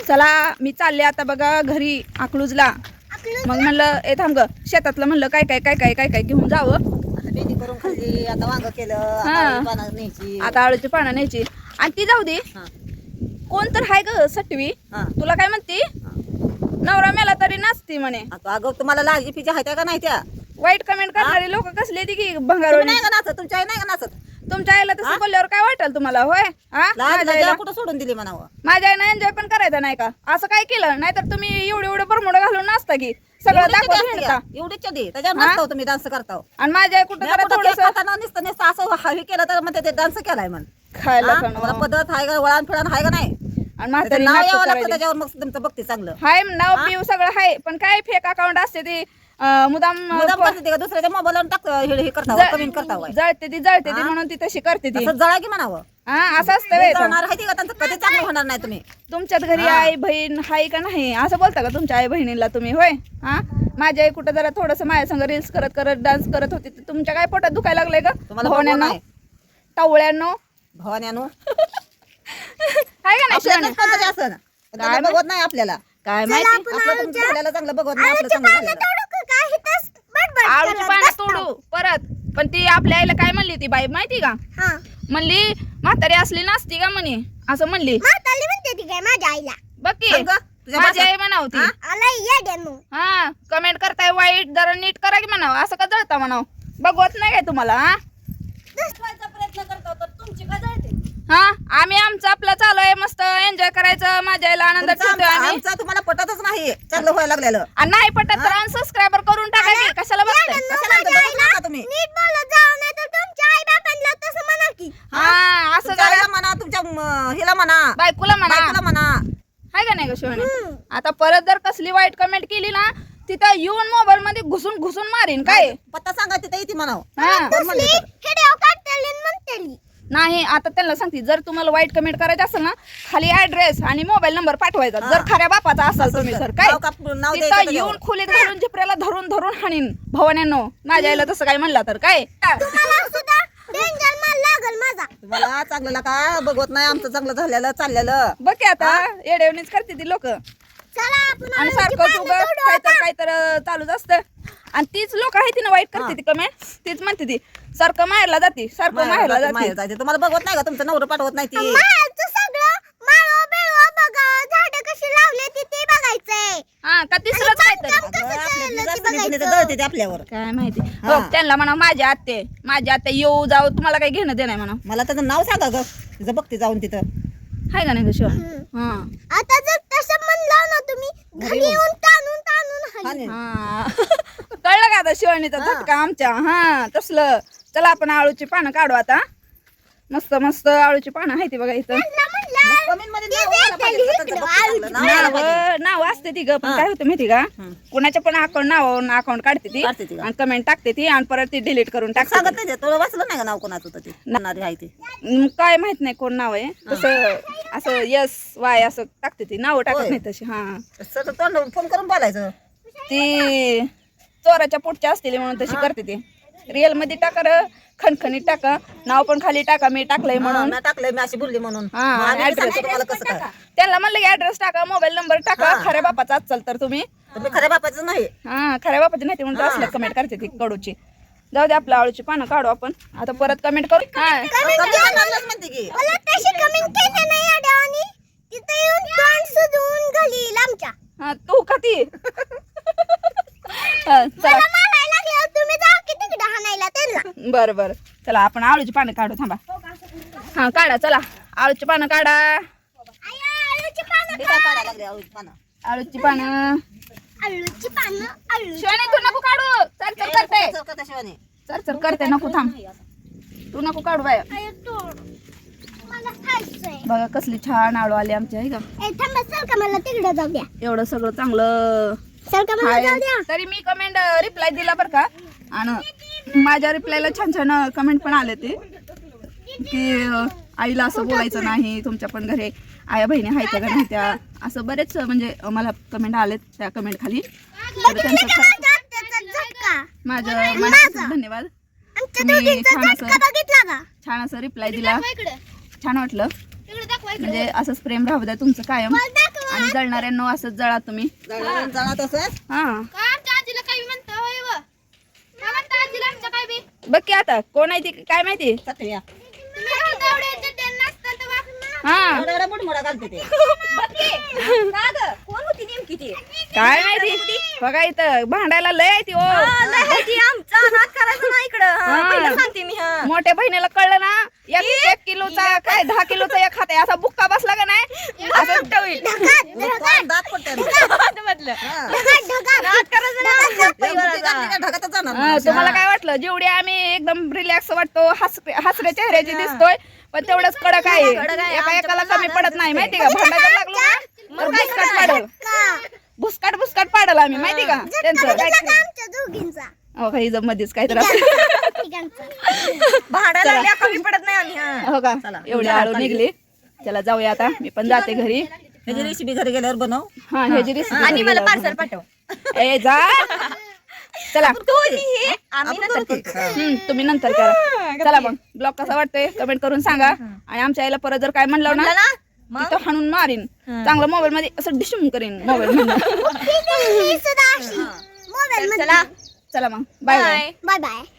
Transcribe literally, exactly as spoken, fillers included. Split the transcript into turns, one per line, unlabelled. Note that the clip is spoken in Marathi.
चला मी चालले आता बघा घरी अकलूजला. मग म्हणलं ए थांब ग शेतातलं म्हणलं काय काय काय काय काय काय घेऊन जावं.
आता भेंडी करून खाल्ली, आता वांग केलं,
हा.
आता आळूची पानं न्यायची.
आता आळूची पानं न्यायची. आणि ती जाऊ दे
हा.
कोण तर हाय ग सटवी
हा.
तुला काय म्हणती नवरा मेला तरी नाचती म्हणे.
आता अगं तुम्हाला लाजी पिजा आहेत का नाही त्या?
वाईट कमेंट करणारे लोक कसले ती की
तुम्ही
भंगार
नाही का नाचत? तुमच्या आई नाही का नाचत?
तुमच्या आईला तसं बोलल्यावर काय वाटेल तुम्हाला होय हा
लाज
माझ्या
लज्जा
आईला
कुठं सोडून दिली म्हणावं?
माझ्या आईनं एन्जॉय पण करायचा नाही का असं काय केलं नाहीतर तुम्ही एवढे एवढे बरमोड घालून नाचता की सगळं
एवढीच
दाखवत
चढी
हिंडता.
असते, एवढीच चढी. त्याच्यावर
हा?
नाचताव तुम्ही, डान्स करताव.
आणि माझ्या आई कुठं
मी
जरा
कुठं
थोडस
केक खाताना नुसतं नुसतं असं हवी केलं तर म्हणते ते डान्स केलाय म्हण.
खायला
हा?
खाणं.
मला पद्धत आहे का, वळण फिळण आहे का नाही?
आणि
त्याचं
म्हातारी
नाव
नाटकं
यावं लागतं
करायली.
त्याच्यावर, मग तुमचं बघते चांगलं.
हाय नाव
हा?
पिऊ सगळं हाय पण काय फेक अकाउंट असते ती अं, मुदाम
मुद्दाम करते ते का दुसऱ्याच्या मोबाईलवर टाक हे हे करताव, कमेंट करताव काय?
जळते ती जळते ती
हा?
म्हणून ती तशी करते ती
असं जळा की म्हणावं.
हा असं असतं व्हय.
जळणार आहे ती का, त्यांचं कधी चांगलं होणार नाही तुम्ही.
तुमच्यात घरी
हा.
आई बहीण हाय का नाही असं बोलता का तुमच्या आई बहिणीला तुम्ही होय हा माझी आई कुठं जरा थोडस माझ्या संग रील्स करत करत डान्स करत होती तर तुमच्या काय पोटात दुखायला लागलंय का
तुम्हाला
भावण्यानं
बघवत नाही.
टावळ्यानं
भवान्यानो
हाय का नाही
आपल्याला
शिवानी?
पद्धती असं
काय
बघवत नाही आपल्याला.
काय माहिती
आपलं तुमचं झालेलं चांगलं बघवत नाही, आपलं चांगलं झालेलं.
आळूची पानं तोडू परत पण ती आपल्या आईला काय म्हणली ती बाई माहिती का म्हणली म्हातारी असली नसती का म्हणे असं म्हणली
माझ्या आईला
बघ की
सांग गं, तुझ्या
माझी
भाषेत.
आई म्हणावती
आला ये डेमो
हा कमेंट करताय वाईट जरा नीट करा की म्हणाव असं का जळता म्हणाव बघवत नाही काय तुम्हाला हा
प्रयत्न करतो तर तुमची काय जळते?
हा आम्ही आमचं आपलं चालू आहे मस्त एन्जॉय करायचं माझ्या आईला आनंदात
तुमचं
ठेवतोय
आमचं-
आम्ही
आमचं तुम्हाला पटतच नाही चांगलं व्हायला लागलेलं.
आणि नाही पटत तर अनसबस्क्रायबर करून टाका की कशाला बघताय
कशाला आमचं बघत नका तुम्ही.
नीट बोलत जाऊ नाही तर तुमच्या आई बापांना तसं म्हणा की
हा असं
तुमच्या
जरा
आईला म्हणा, तुमच्या म, हिला म्हणा,
बायकोला म्हणा
बायकोला म्हणा.
हाय का नाही ग शिवानी आता परत जर कसली वाईट कमेंट केली ना तिथं येऊन मोबाईल मध्ये घुसून घुसून मारीन काय
पत्ता सांगा तिथे येते म्हणावं.
हा
कोण म्हणले तर?
हिडिओ काढतेली म्हणतेली
नाही आता त्यांना सांगते जर तुम्हाला वाईट कमेंट करायचं असेल ना खाली ऍड्रेस आणि मोबाईल नंबर पाठवायचा जर खऱ्या बापाचा असाल तुम्ही सर काय
नाव काप- नाव द्यायचं
तिथं
त्याच्यावर.
येऊन खोलीत घालून झिपऱ्याला धरून धरून हाणीन भवान्यानो माझ्या आईला तसं काय म्हणला तर काय
मला सुद्धा डेंजर माल लागल माझा
तुम्हाला चांगलं का बघवत नाही, आमचं चांगलं झालेलं चाललेलं.
बघ की आता येडेवणीच करते ती लोक
चला आपण
आणि सारखं तू काहीतर काहीतर चालूच असतं आणि तीच लोक आहे ती ना वाईट करते ती कमेंट तीच म्हणते ती सारखं माहेरला जाते सारखं माहेरला
माहेर-
जाते
माहेर जायचं. तुम्हाला बघवत नाही का, तुमचं नवरं पाठवत नाही ती.
माळचं सगळं माळो बेळो बघा झाडं कशी लावले ती ते बघायचंय
हा का तिसरंच काहीतरी
कसं
अगं, आपल्या
चाललं
दिवसात
ते
कुणी- कुणी तर
बघायचं.
जळते ते आपल्यावर.
काय माहिती
हा.
हो त्यांना म्हणा माझी आत्ते माझी आत्ते येऊ जाऊ तुम्हाला काही घेणं देणं म्हणा
मला त्याचं नाव सांगा ग, तिचं बघते जाऊन तिथं.
हाय का नाही ग शिवा हा
आता जर तसं म्हणलं ना तुम्ही घरी येऊन ताणून ताणून हली.
हानी.
हा कळलं का आता शिवानीचा
हा.
झटका आमच्या हा तसलं चला आपण आळूची पानं काढू आता मस्त मस्त आळूची पानं आहे ती बघा इथं
त्यांना म्हणलं,
कमेंट मध्ये
ते
नाव यायला
देते
पाहिजे,
इकडं,
स्वतःचं बघते
आळूची
चांगलं. नाव यायला पाहिजे.
नाव नाव असते ती ग पण
हा.
काय होतं माहिती का
हम्म.
कुणाच्या पण अकाउंट नाव अकाउंट काढते ती
काढते ती का?
आणि कमेंट टाकते ती आणि परत ती डिलीट करून टाकते
सांगत नाही ते, तुला वाचलं नाही का नाव कोणाचं होतं ते? म्हणणारी आहे ते.
ती. काय माहित नाही कोण नाव आहे तसं असं यस वाय असं टाकते ती नाव टाकत
होय.
नाही तशी हा
सर तोंड फोन करून बोलायचं.
ती चोराच्या पोटच्या असतील म्हणून तशी करते ती रिअल मध्ये टाका र खणखणीत टाका नाव पण खाली टाका मी टाकलंय म्हणून
म्हणून टाकलंय मी अशी बोलली म्हणून.
हा,
मग आम्ही
address.
सांगतो तुम्हाला कसं काय.
त्यांना म्हणलं की ऍड्रेस टाका मोबाईल नंबर टाका
हा.
खऱ्या बापाचा असाल तर तुम्ही
तुम्ही खऱ्या बापाचं नाही.
हा खऱ्या बापाची नाही म्हणून
हा.
असल्या कमेंट करते ती कडूची जाऊ दे आपल्या आळूची पानं काढू आपण आता परत कमेंट करू हा
कमी करणारच म्हणते की.
मला तशी कमेंट केली नाही अडवणी तिथे येऊन तोंड सुजवून घालील आमच्या
हा, तू का ती हा, चला
मला मारायला लागल्यावर तुम्ही जाऊ की तिकडे हाणायला त्यांना
बरं बरं चला आपण आळूची पानं काढू थांबा हा काढा चला आळूची पानं काढा
आया, आळूची पानं
ते काय काढायला लागले आळूची पानं?
आळूची पानं
आळूची पानं आळू
शिवानी तू नको काढू चल चल करते
चल का त्याशिवाय?
चल चल करते नको थांब तू नको काढू बाय
आया, तोड मला खायचंय
बघा कसली छान आळू आली आमच्या आहे का
ए थांबा चल का मला तिकडे जाऊ द्या
एवढं सगळं चांगलं
चल का मला जाऊ द्या
आहे. तरी मी कमेंट रिप्लाय दिला बरं का आणि माझ्या रिप्लायला छान छान कमेंट पण आले ते की अं, आईला असं बोलायचं नाही तुमच्या पण घरी आया बहिणी आहेत का नाही त्या असं बरेच म्हणजे मला कमेंट आलेत त्या कमेंट खाली तर त्यांचं खरं-
माझ्या आत्याचा झटका
माझं मनापासून धन्यवाद
आमच्या
तुम्ही
दोघींचा
छान
झटका
असं
बघितला का
छान असं रिप्लाय दिला
इकडे
छान वाटलं
इकडे दाखवा
म्हणजे असंच प्रेम राहू द्या तुमचं कायम
मला दाखवा
आणि जळणाऱ्यांनो असंच जळा तुम्ही.
जळा जळा तसंच.
हा
आमच्या आजीला काही म्हणतो होय व? काय म्हणता आजीला आमच्या काय बी?
बघ की आता कोण आहे ती काय माहिती.
चटया
तुम्ही घालता एवढे चड्ड्या नसता तेव्हा.
हा
एवढा एवढा मुठमोठा घालते ते.
कोण होती नेमकी ती?
काय माहिती बघा इथं भांडायला लय आहे ती ओ.
ती आमचा नाद करायचा ना इकडं. हा,
हा.
पहिलं सांगते मी. हा
मोठ्या बहिणीला कळलं ना एक एक किलोचा काय दहा किलोचा एक खाते असा बुक्का बसला का नाही असं
होईल.
तोंड दात पडते.
म्हटलं
हा.
नाद करायचं ना.
या बुद्धी घातली का ढगातच जाणार
हा,
माणूस.
तुम्हाला काय वाटलं जेवढे आम्ही एकदम रिलॅक्स वाटतो हस हसऱ्या चेहऱ्याची दिसतोय पण तेवढंच कडक आहे. एका एकाला कमी पडत नाही माहिती का. भांडायला लागलो ना तर भुसकाट पाडल भुसकाट भुसकाट पाडल आम्ही माहिती का त्यांचं.
आमच्या दोघींचा
हो का इथं मध्येच काय तर
भांडायला लागल्या कमी पडत नाही आम्ही. हा.
हो का एवढी आळू निघली. चला जाऊया आता मी पण जाते घरी.
ह्याची रेसिपी घरी गेल्यावर बनव.
हा ह्याची रेसिपी
आणि मला पार्सल पाठव.
ए जा चला
हे आम्ही नंतर करतो.
हम्म, तुम्ही नंतर करा. चला मग ब्लॉग कसा वाटतोय कमेंट करून सांगा. आणि आमच्या आईला परत जर काय म्हणलं ना
म्हणलं ना मग
तिथं हाणून मारीन चांगलं मोबाईल मध्ये असं डिशूम करीन मोबाईल मधून.
ही सुद्धा अशी मोबाईल
चला
चला मग bye bye
bye.
Bye bye.